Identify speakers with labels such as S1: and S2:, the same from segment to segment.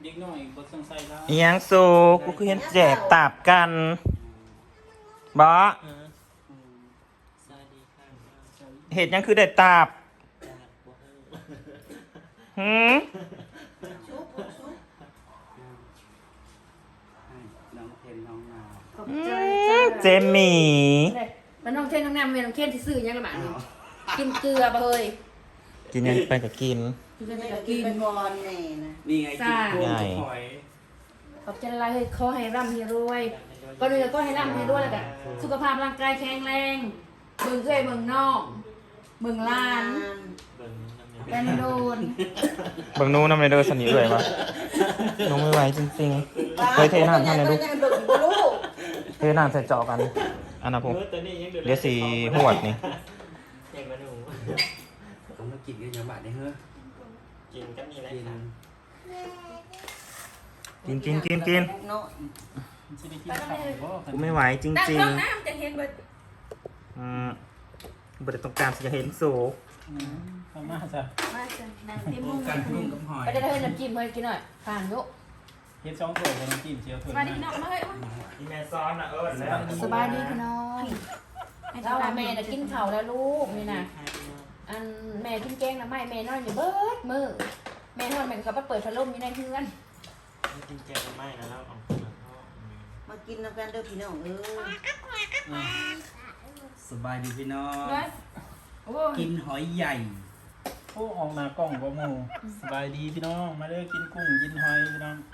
S1: เด็กน้อยบ่ต้องใส่แล้ว
S2: อิหยังสูกูคือเห็นแจกตาบกันบ่
S3: สวัสดีค่ะ
S2: เห็ดหยังคือได้ตาบ
S3: จากบัวเฮอ
S2: หืม
S4: ชุบ
S1: น้องเทนน้องนาว
S4: ขอบใจจ้า
S2: เจมหมี่
S4: มันน้องเทนน้องแนมเมียน้องเทนที่ซื้อยังละบาทนี่กินเกลือบ่เฮ้ย
S2: กินยังไปกับกิน
S4: กินไป
S5: ไม่
S4: กั
S5: ได้
S4: บ
S5: กิ
S4: กิ
S5: น
S4: น
S5: ไปก่อนแน่นะ
S1: นี่ไงกินกุ้ง
S2: ใช่
S1: หอย
S4: ขอบใจละลายเฮ้ยขอให้ร่ำให้รวยก่อนอื่นก็ให้ร่ำให้รวยแล้วกันสุขภาพร่างกายแข็งแรงเบิ่งเอ้ยเบิ่งน้องเบิ่งหล้าน
S3: เบิ่งน้ำ
S4: แฟนโดน
S2: เบิ่งนู้นน้ำในเด้อสนิทเลยวะน้องไม่ไหวจริงๆเคยเทน้ำท่านในลูก
S5: ยังเบิกอยู่บ่รู้
S2: เทน้ำใส่เจาะกันอันนั้นผมเดี๋ยวสีหวดนี่
S3: เด็กมาหนู
S1: ต้องมากินกันยังบาดเนี่ยเฮ้อ
S3: กินก็มีอะไร
S1: กิน
S3: ค่ะ
S2: กิน
S5: เนาะ
S1: มันสิได้กินข้าวบ่
S2: กูไม่ไหวจ
S4: ตั้ง
S2: ริง
S4: กล้องน้ำจะเห็นเบิด
S2: บ่ได้ต้องการที่จะเห็นสู
S1: เข้ามาซะ
S4: มาจ้ะนั่งเต็มมุ้ง
S1: กันกุ้งกับหอย
S4: ไปได้เฮ้ยน้ำจิ้มเฮ้ยกินหน่อยผ่านยุ
S1: เฮ็ด2ถ้วยกับน้ำจิ้มเจียวถ้วย
S4: มาดิพี่น้องมาเฮ้ย
S2: อีแม่ซ้อนนะเอิญแล้ว
S4: สบายดีพี่น้องเราแม่น่ะกินข้าวแล้วลูกนี่นะอันแม่กินแกงนะไม่แม่นอนอยู่เบิดมือแม่นอนแม่ก็ไปเปิดพัดลมอยู่ในเรือน
S3: กินแกงไม่นะแล้วเอามาทอด
S5: มากินน้ำกันเด้อพี่น้อง
S1: สบายดีพี่น้อง
S4: เลยโอ้ย
S1: กินหอยใหญ่โอ้ออกมากล้องบ่หมู่สบายดีพี่น้องมาเด้อกินกุ้งกินหอยพี่น้อง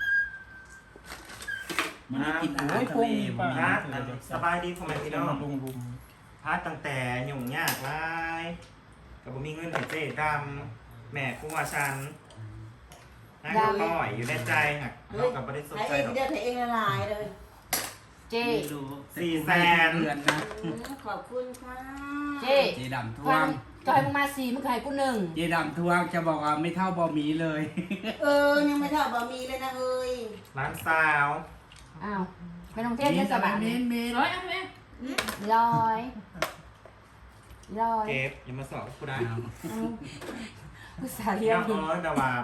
S1: มันได้กินอาหารทะเลบ่มี
S2: พัด
S1: เดี๋ยว
S2: สบายดีพ่อแม่พี่น้อง
S1: ลุม
S2: พัดตั้งแต่หยุ่งยากหลายกับบ่มีเงินให้เจ๊ดำแม่กูว่าฉันนั่งต่อยอยู่ในใจหักเรากับบ่ได้สน
S5: ไอ้
S2: ใจ
S5: เอง
S2: หรอก
S5: เด้อไอ้เองละลายเลย
S4: เจ๊
S1: ไม่รู้
S2: 400,000
S1: เดือนนะ
S5: ขอบคุณค่ะ
S4: เจ๊
S1: เจดำทว
S4: ฟั
S1: ง
S4: งก็ให้มึงมา4มึงขายกู1
S1: เจดำทวงจะบอกว่าไม่เท่าบอหมีเลย
S5: ยังไม่เท่าบะหมี่เลยนะเอ้ย
S2: ร้านสาว
S4: อ้าวไม่ต้องเทศเทศบาล
S1: เมน
S4: ร้อยเอาไหมร้อยร้อย
S2: เก็บอย่ามาสอบกูได้
S4: ภาษาเรีย
S2: เรีย
S4: น
S2: บร้อยแต่ว่า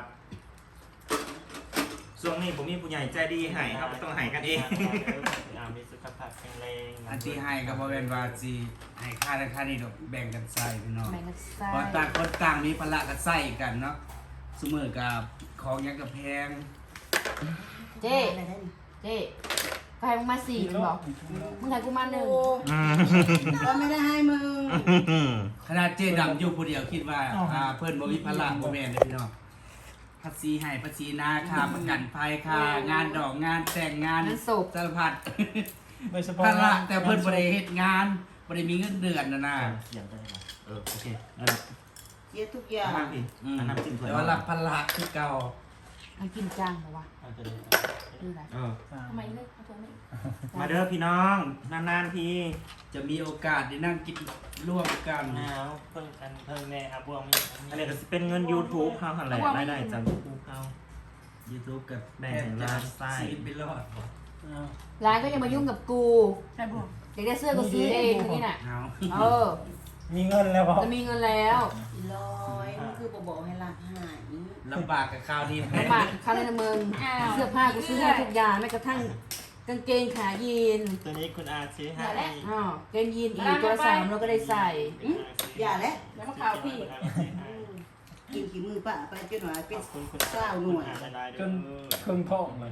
S2: ช่วงนี้ผมมีผู้ใหญ่ใจดีให้ครับต้องให้กันเอง
S3: มีสุขภาพแข็งแรง
S1: อันที่ให้กับบอเวนวาจีให้ค่าและค่านี่ดอกแบ่งกันใส่พี่น้อง
S4: แบ่งกันใส่
S1: เพราะต่างคนต่างมีภาระกันใส่กันเนาะเสมอกับของยังกับแพง
S4: เจ๊เจ๊ก็ให้มึงมา4มึงบอกมึงขายกูมา
S5: โอ้
S4: 1
S5: ก็ไม่ได้ให้มึง
S1: ขนาดเจดำอยู่ผู้เดียวคิดว่าเพื่อนบ่มีภาระบ่แม่นเลยพี่น้องภาษีให้ภาษีนาค่าประกันภัยค่างานดอกงานแต่งงาน
S4: งานศพ
S1: สารพัด
S6: โดยเฉพาะ
S1: ภาระแต่เพิ่นบ่ได้เฮ็ดงานบ่ได้มีเงินเดือนนะ
S3: เสียงได้ไหม
S2: โอเคนั่นแหละ
S5: เสียทุกอย่าง
S2: น้ำพี่อันน้ำจิ้มถ้วย
S1: แต่ว่ารับภาระคือเก่า
S4: มันกินจังเหรอวะ
S3: อาจจะได้
S4: ดูไร
S2: เออ
S4: ทำไมเลิกเอาตัวนี้
S2: มาเด้อพี่น้องนานๆพี่
S1: จะมีโอกาสได้นั่งกินร่วมกัน
S3: หนาวเพิ่งกันเพิ่งแม่อาบวงมี
S2: อันนี้ก็สิเป็นเงิน YouTube เฮาหั่นแหละรายได้จาก YouTube เฮา
S1: YouTube กับ
S2: แบ่งให้ร้านไส้
S1: ชีวิตไปรอด
S4: ร้านก็ยังมายุ่งกับกูใช่ปะอยากได้เสื้อก็ซื้อเองนี่น่ะ
S1: เอา
S4: เออ
S6: มีเงินแล้วพอ
S4: จะมีเงินแล้ว
S5: ลอยมันคือบอกให้รักหาย
S1: ลำบากกับข้าวนี่
S4: ลำบากค่าเล่นมึงเสื้อผ้ากูซื้อให้ทุกอย่างแม้กระทั่งกางเกงขายีน
S3: ตัวนี้คุณอาซื้อให้
S4: อ๋อเกงยีนอีกตัวละ3เราก็ได้ใส่
S5: อย่าแล้ว
S4: แล้วมะพร้าวพี่
S5: กินขี้มือป้าไปจนหน่อยเป็น
S3: คุณ
S5: เศร้าหน่วย
S6: จนเครื่องท้องเลย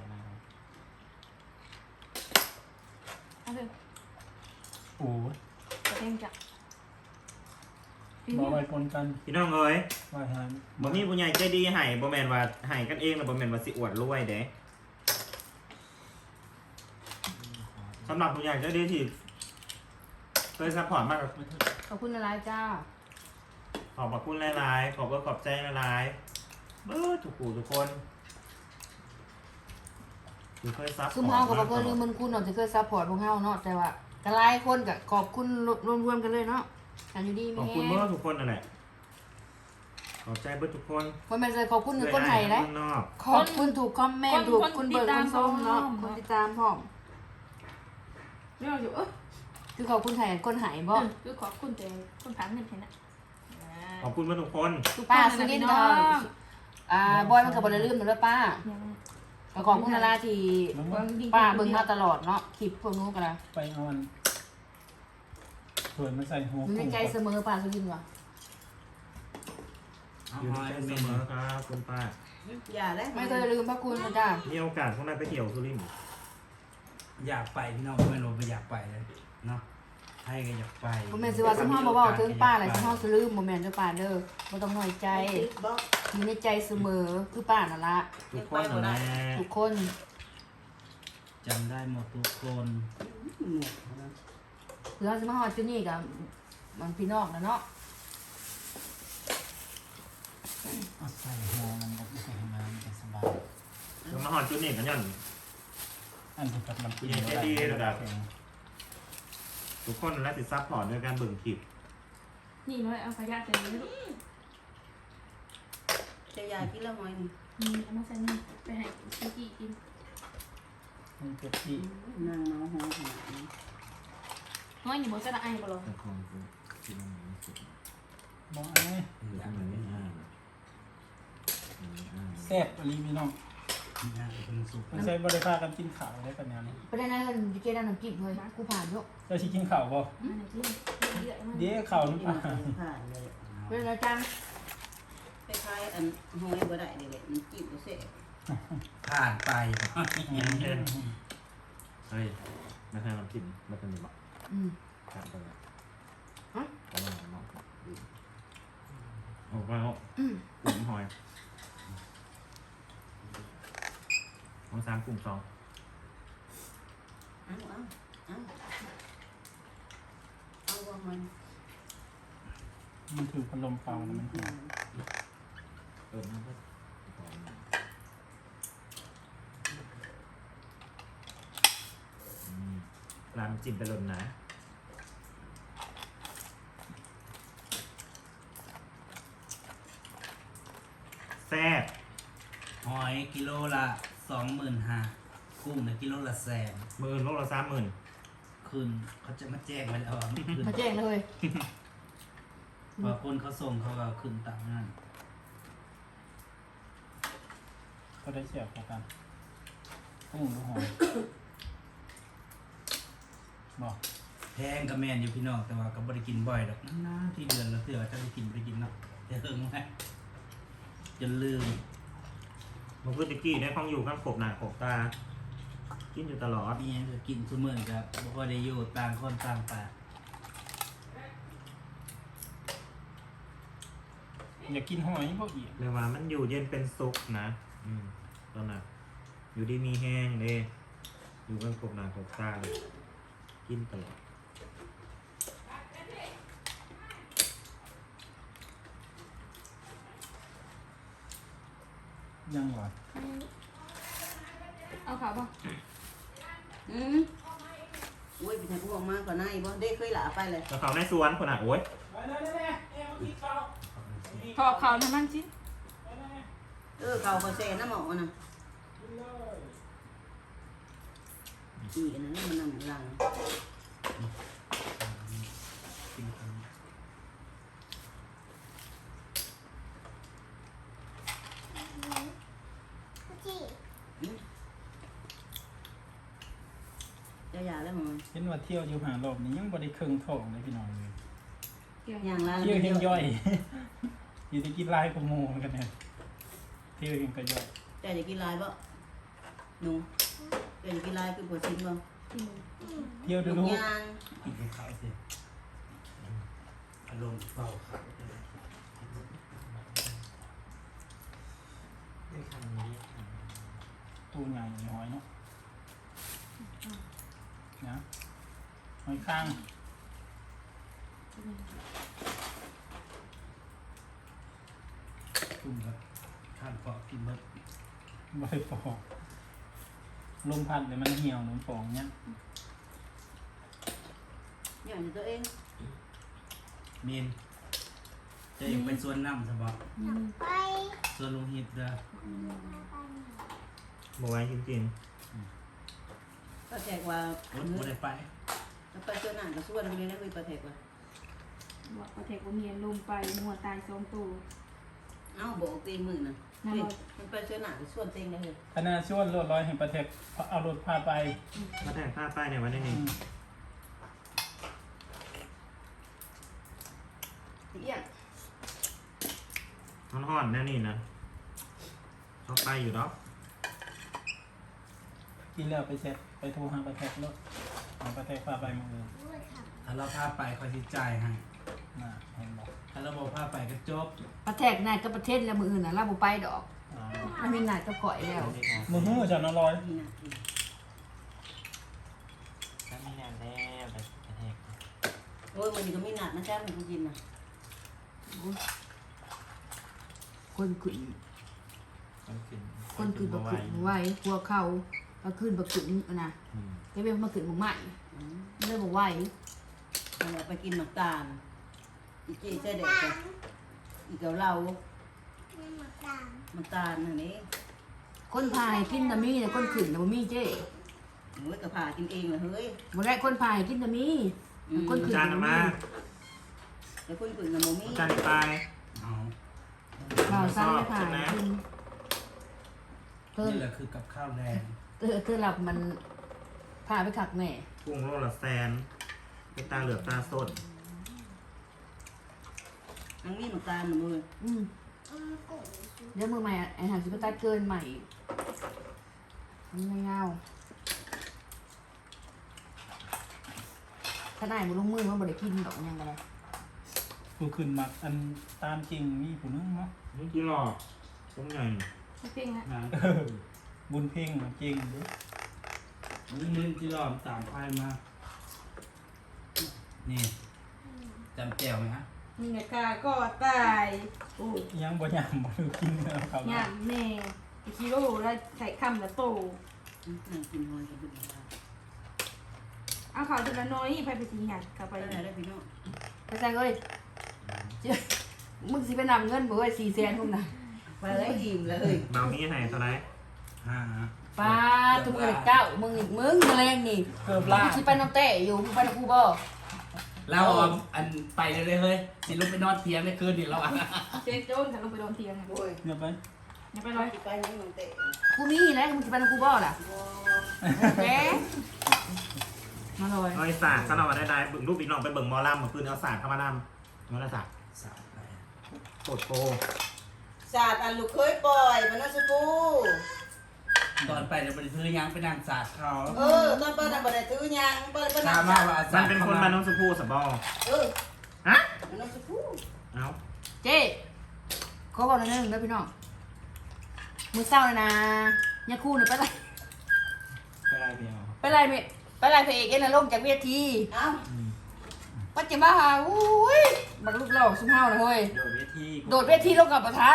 S6: โอ้ย
S4: เกงจ้ะ
S6: บอกไว้ปนกัน
S2: พี่น้องเอ้ย
S6: ไว้หาย
S2: บ่มีผู้ใหญ่ใจดีให้บ่แม่นว่าให้กันเองแล้วบ่แม่นว่าสิอวดรวยเด้สำหรับผู้ใหญ่ใจดีที่เคยซัพพอร์ตมาก
S4: ขอบคุณอะไรจ้า
S2: ขอบพระคุณหลายๆขอบใจหลายๆทุกผู้ทุกคนที่เคยซัพพอร์ต
S4: ซุ่มเฮาก็บ่เคยลืมบุญคุณเนาะที่เคยซัพพอร์ตพวกเฮาเนาะแต่ว่าก็หลายคนก็ขอบคุณรวมๆกันเลยเนาะกันอยู่ดี
S2: ขอบ
S4: มี
S2: คุณ
S4: แฮ
S2: เมื่อทุกคนนั่นแหละขอบใจเบิดทุกคน
S4: คนแม่นเลยขอบคุณคือคนไทยนะ
S2: ข้างนอก
S4: ขอบคุณถูกคอมเมนต์ถูกคุณเบิร์ดคุณส้มเนาะคนติดตามพ่อม
S7: เรื่องอยู่
S4: คือขอบคุณไทยคนหายบ่
S7: คือขอบคุณแต่คนผ่านเงินเห็นนะ
S2: ขอบคุณเบิดทุกคน
S4: ป้าสุรินทร์บอยมันกับบอลลืมหนูด้วยป้าก็ของคุณนาราที่ป้าเบิ่งมาตลอดเนาะคลิปพวกนู้นกันละ
S6: ไปเอาอันถ้วยมาใส่หัว
S4: อยู่ใน
S6: กุ้ง
S4: ใจเสมอป้าสุรินทร์ว่ะ
S1: เอา
S2: อยู่
S1: หอย
S2: ใน
S1: เป็น
S2: เส
S1: เม
S2: ม
S1: นู
S2: อครับคุณป้า
S5: อย่าแล้ว
S4: ไม่เคยลืมพระคุณนะจ้า
S2: มีโอกาสพวกนายไปเที่ยวสุรินทร์
S1: อยากไปพี่น้องไม่รู้ไปอยากไปเลยเนาะให้ก็อยากไป
S4: บ่แม่นสิว่าสมเฮาบ่เว้าถึงป้าแหละสมเฮาสิลืมบ่แม่นเด้อป้าเด้อบ่ต้องน้อยใจ
S5: บอก
S4: อยู่ในใจเสมอคือป้านั่นละ
S2: ทุกคนนะแม่
S4: ทุกคน
S1: จำได้หมดทุกคน
S4: เพื่อสิมาฮอดจุดนี้ก็มันพี่น้องนะเนาะ
S6: เอาใส่หัวมันก็ใส่น้ำมันจะสบาย
S2: เรามาหอดจุดนี้กันย่อน
S6: อันที่กับมันกิน
S2: อย่างใจดีระดับ ทุกคนและติดซับพอร์ตด้วยการเบิ่งคลิป
S7: นี่น้อยเอาขยะใส่นี่ลูก
S5: จะยากินละหอยนี่
S7: เอามาใส่นี่ไปให้ชิกี้กิน
S6: มันเป็ดที่
S5: นางเมาหอหา
S7: น้อยนี่บ่จะละไอ้บ่หรอ
S2: แต่คนที่มันไม่สุด
S6: บอกอันนี้
S2: คือทำไมไม่อ่าน
S6: แซ่บอลีพี่น้อง
S1: นะเป็นสุก
S6: ไม่ใช่บริพากันกินข้าวได้ปัญญานี้
S4: ประเด็นนั้นอยู่เกด้านน้ำจิ้มเฮ้ยกูผ่านอยู่
S6: เจ้าชิกินข้าวบ่
S7: อันไหนที่เยอะมาก
S6: เดี๋ยวข้าวน้ำปลา
S5: ผ่านเลย
S4: ประเด็นอาจารย์
S5: คล้ายๆอันหอยบ่ได้นี่แหละมันจิ้มบ่เสร็จ
S1: ผ่านไป
S2: เฮ้ยไม่ใช่น้ำจิ้มไม่เป็นแบบ
S4: อืม
S2: ขาดไปแล้ว
S4: ฮะ
S2: เอาไปเอาโอ้ไปเอา
S4: อืม
S2: กุ้งหอยเอา3กุ้ง2
S5: เอาว่ามัน
S6: มันถือพัดลมเป่าแล้วมันหอม
S2: มันก็ร้านจิ้มไปหล่นนะแซ่บ
S1: หอยกิโลละ25,000กุ้งนะกิโลละ100,000
S2: มือโลละ30,000
S1: คืนเขาจะมาแจ้งไว้แล้วว่าไม่คืน
S4: มาแจ้งเลย
S1: พอคนเขาส่งเขาก็คืนตามนั้น
S6: ก็ได้เสียบพอกันกุ้งหรือหอมบอก
S1: แพงกับแมนอยู่พี่น้องแต่ว่าก็บ่ได้กินบ่อยดอกนานๆที่เดือนละเทื่อจะได้กินไปกินเนาะเดี๋ยวเฮิงไว้จนลืม
S2: มันคือตะกี้ในห้องอยู่ข้างขบหน้าขบตา กินอยู่ตลอด
S1: มีหยังก็กินซุมื้อก็บ่ค่อยได้อยู่ต่างคนต่างไป
S6: อยากกินหอยบ่อีก
S2: เรียกว่ามันอยู่เย็นเป็นสุขนะตอนนั้นอยู่ดีมีแห้งเลยอยู่ข้างขบหน้าขบตาเลยกินตลอด
S6: ยังหวาน
S7: เอาขาวป่ะ
S5: โอ้ยเป็นพวกมากกว่านั้นอีกบ่ได้เคยหลาไปเลย
S2: แล้วเขาในสวนคนอ่ะโอ้ย
S7: เขาเอาขาวทำนั่นสิ
S5: เขาก็แซ่น้ำหมอน่ะอีอันนั้นมันนำหลัง
S1: กินกัน
S5: จะยาแล้วมึง
S6: เห็นว่าเที่ยวอยู่หารอบนี้ยังบ่ได้เครื่องท้องเลยพี่น้องเลย
S5: อย่างละ
S6: เที่ยวยังย่อย อยู่ที่กินลายกับหมูกันเนี่ยเที่ยวยังก็ย่อย
S5: แต่จะกินลายบ่หนูแต่จะกินลายคือปวดชิ้นบ่
S6: เที่ยวดู
S5: ลู
S6: ดู
S5: กยาง
S1: กินกับข้าวสิอารมณ์เฝ้าข้าว
S3: ได้คำนี้
S6: ตู้ใหญ่หอยเนาะนะหอยข้าง
S1: ตุ่มครับข้างเกาะกินเบิด
S6: บ่ได้ปอกลมพัดเลยมันเหี่ยวหนุนฟองเนี่ย
S5: อย่างนี้ตัวเอง
S1: เมนจะยังไปสวนน้ำสบายสวนลุงฮิตเด้อ
S2: บไว้จริง
S5: ก็แจกว่า
S1: โอ๊ยบ่ได้ไป
S5: ไปเจอหนังกับส่วนไปเลยนะคุยประเทศว่า
S7: บอกประเทศว่ามีลมไปมัวตาย2ตัว
S5: เอ้าบอกตีมือน่ะ
S7: น้ำ
S5: นี่
S7: มัน
S5: มันไปเสื้อหนาส่วนเต็งเลย
S6: คณะชวนรถร้อยแห่งประเทศเอารถพาไป
S2: มาแต่งผ้าป้ายเนี่ยวันนี้
S6: อื
S2: นี่
S6: ม
S4: เอี้ยง
S2: ห่อนๆแน่นี่นะชอบไปอยู่เนาะ
S6: กินแล้วไปเช็ดไปโทรหาประเทศรถหาประเทศพาไปมือ
S1: ถ้าเราพาไปคอยสิจ่ายให้
S6: น่ะเห็นบอก
S1: ถ้าเราบอกพาไปก็จบ
S4: ประเทศนายก็ประเทศแล้วมืออื่นน่ะเราบ่ไปดอก
S6: อ๋อ
S4: มันมีนายก็ก่อยแล้ว
S6: มือหื้อจะนอนร้อย
S5: นี่นะ
S3: ถ้ามีงานแล้วแต่ประเทศ
S5: โอ้ยมันก็ไม่หนักนะจ๊ะมันกูกินนะ
S4: คนขึ้น
S3: คนขึ้น
S4: คนขึ้นบักขึ้นไว้พวกเขาบักขึ้นบักขึ้นนะ
S3: อืม
S4: ก็เป็นมาขึ้นของใหม่เลยบอกไหว
S5: เราไปกินน้ำตาลอีเจ๊ใช่เด็กจ้ะอีเกาเหลาน้ำตาลนั่นเอง
S4: คนพายกินตะมีแต่คนขึ้นแต่บ่มีเจ้
S5: โอ้ยกระพากินเองเลยเฮ้ย
S4: บ่ได้คนพายกินตะมีคนขึ้น
S2: จาน
S4: แต่บ่
S2: มา
S4: มี
S5: แล้วคนอื่นกับโมมี่
S2: จานไป
S1: เอา
S4: ข่าวซ้ำไม่พายกินเพิ่ม
S1: นี่แหละคือกับข้าวแรง
S4: เธอหลับมันพาไปขักแม่
S2: กุ้งโลละแสนเป็นตาเหลือบตาสด
S5: นังนี่น้ำตาลหนูเลย
S4: เดี๋ยวมือใหม่ไอ้หางสิบตัดเกินใหม่มันไม่เงาถ้าได้มันลงมือมันบ่ได้กินดอกยังไง
S6: ผู้ขึ้นมักอันตามจริงมีผู้นึงเนาะ
S2: นี่กี่หลอกต้มใหญ่
S7: เพ่งฮะ
S1: นะ
S6: บุญเพ่งจริงเด้อ
S1: นี่ที่รอมตามไพ่มา นี่จำแก้วไหมฮะ
S7: นี่ไงกาก็ตายโอ้ย
S6: ยังบ่ยามบ่ได้กินแล้วครับ
S7: งามแม่ไอคิโร่แล้วใส่คำละโต
S5: นั่งกินหอยกันดูนะ
S7: เอาข่าวจุดละน้อยไปไปทีงานกลับไป
S5: ไปไหนได้พี่น้อง
S4: ไปแซงเอ้ยเจ้ามึงสิไปนำเงินบ่เอ้ย400,000พุ่นน่ะ
S5: ไปเลยอิ่มเลย
S2: เบานี้ให้เท่าไหร
S1: ห้า
S4: ป้าทุกมื้อเจ้ามึงนี่มึงแรงนี่
S6: เกือบลา
S4: กูสิไปน้องเต้อยู่มึงไปกับกูบ่
S1: เราเอาอันไปเลยเฮ้ยสิลุกไปนอนเพียงในคืนนี่เราอ่ะ
S7: เจ๊โจ้นถ้าลงไปโดนเทียง
S5: โอ้ย
S6: เงียบไป
S7: อย่าไป
S5: ไป
S7: เลย
S5: ไปนี่มันเตะ
S4: กูมีแล้วมึงสิไปกับกูบ่ล่ะแหมมาเลย
S2: เอาไอ้สากเขาเอามาได้เบิ่งรูปอีกน้องไปเบิ่งหมอลำเมื่อคืนเอาสากเข้ามานำมาละสาก
S1: สามไป
S2: โคตรโก
S5: ศาสตร์อันลูกเคยปล่อยมันน่าจะกู
S1: ตอนไปเนี่ยมันซื้อยังไปนั่งสาดเขา
S5: ตอนเปิดน่ะบ่ได้ถือยังเปิด
S1: ถามมาว่า
S2: มั
S1: สาน ด
S2: เป็นคนบ้านน้องชมพู่สบอ ฮะ
S5: มันน่าจะกู
S2: เอา
S4: เจ๊ขอบอกหน่อยนึงเด้อพี่น้องมื้อเช้านี่นะยาคู่นี่ไปไล่
S6: ไปได้เดียว
S4: ไปไล่พระเอกเอ็นน่ะลงจากเวที
S5: เอ้า
S4: ปัจจุบันอุ้ยบักลูกหลอกซุ่มเฮานะเฮ้ย
S3: โดดเวที
S4: โดดเวทีลงกับประธาน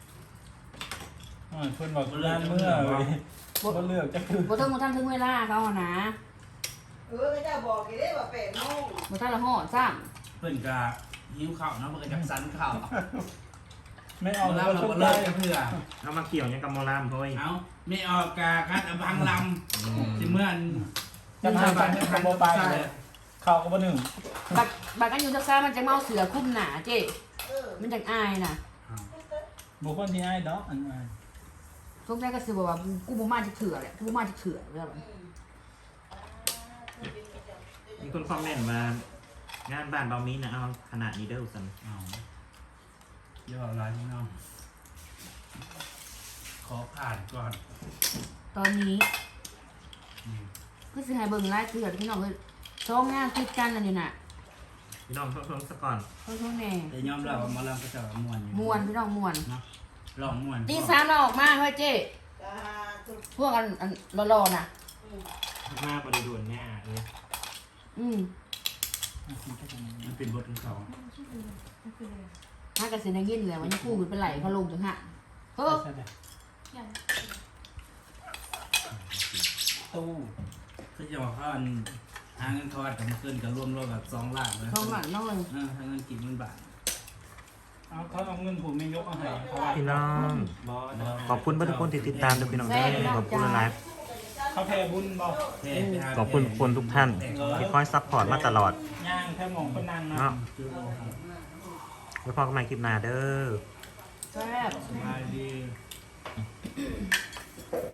S6: เพิ่นบอกงานเมื่อเว้ยบ่เลือกจะคือ
S4: บ่ต้องมาทำถึงเวลาเขาอะนะ
S5: ก็จะบอกกี่ได้ว่า8 โมง
S4: บ่ทันละฮ้อซ้
S1: เพื่อนก็หิวข้าวเนาะมันก็จักสันข้าว
S6: ไม่
S1: เอา
S6: เอา
S1: แล้
S6: แล้ว ว
S1: เรา
S6: ชุ
S1: ก็
S6: ด
S1: เลิ
S6: ได้
S1: กเพื่อ
S2: เอามาเกี่ยวยังกับหมอลำเฮ้ย
S1: เอาไม่ออกกาคัดอบังลำสิเมื่อน
S6: จะมาทำให้เขาบ่ไปเขาก็บ่หนึ่ง
S4: ำบักกันอยู่ทักซ่ามันจะเมาเสือคลุมหนาเจ๊มันจังอายน่ะ
S6: บุคคลที่อ้ายดอกอันอ้าย
S4: ทุกแรกก็สิบอกว่ากูบ่มาจะเถื่อแหละกูบ่มาจะเถื่อแล้ว
S2: มีคนคอมเมนต์มางานบ้านเบามีนะเอาขนาดนี้เด้อสัน
S1: เอาย่อลายพี่น้องขอผ่านก่อน
S4: ตอนนี้คือสิให้เบิ่งรายเถื่อพี่น้องเอ้ยช่องงานติดกันนั่นนี่น่ะ
S2: พี่น้องเพิ่มสักก่อน
S4: เพิ่นแน่
S1: แต่ยอมรับว่าหมาลำก็จะม่วนอยู่
S4: ม่วนพี่น้องม่วน
S1: เนาะลองม่วน
S4: ตี3เราออกมาเฮ้ยเจ๊พวกอันรอๆน่ะ
S3: มากบริด่วนเนี่ยเลย
S4: อืม
S1: มันเป็นบทของเขา
S4: หากันสิได้ยินแล้วว่ายังคู่ขึ้นไปไหลเขาลงจังหะเฮ้อ
S6: ตู้
S1: คือจะบอกว่าอันหาเงินทอดกับมันขึ้นกับรวมๆแบบ2 ล้านเลย
S4: ท้องหลังน้อย
S1: หาเงินกี่หมื่นบาท
S6: เอาเขาเอาเงินผมไม่ยกเอาให้เขาว่า
S2: พี่น้อง
S3: บอส
S2: ขอบคุณทุกคนที่ติดตามด้วยพี่น้องได้ขอบคุณหลาย
S6: เขาแพ้บุญบอก
S2: ขอบคุณคนทุกท่านที่คอยซัพพอร์ตมาตลอด
S6: ย่างแค่หมองคนนางเนาะ
S2: เนาะไว้พอกันใหม่คลิปหน้าเด้อ
S4: แซ่บ
S1: สบายดี
S2: บ